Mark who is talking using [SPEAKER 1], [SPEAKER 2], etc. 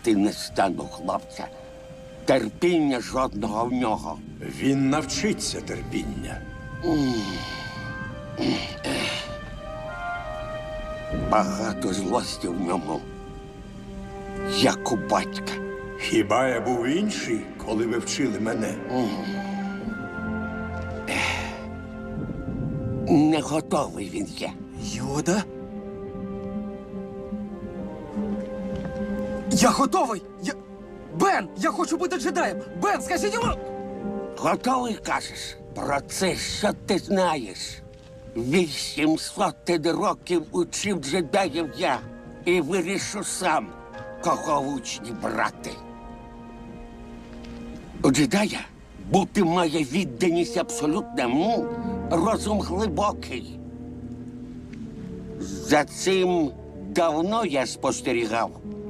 [SPEAKER 1] вчити не стану хлопця. Терпіння жодного в нього.
[SPEAKER 2] Він навчиться терпіння.
[SPEAKER 1] Багато злості в ньому, як у батька.
[SPEAKER 2] Хіба я був інший, коли ви вчили мене?
[SPEAKER 1] Не готовий він є.
[SPEAKER 3] Йода? Я готовий! Бен, я хочу бути джедаєм! Бен, скажіть йому!
[SPEAKER 1] Готовий, кажеш? Про це що ти знаєш? 800 років учив джедаїв я і вирішу сам, кого в учні брати. У джедая бути має відданість абсолютному, розум глибокий. За цим давно я спостерігав.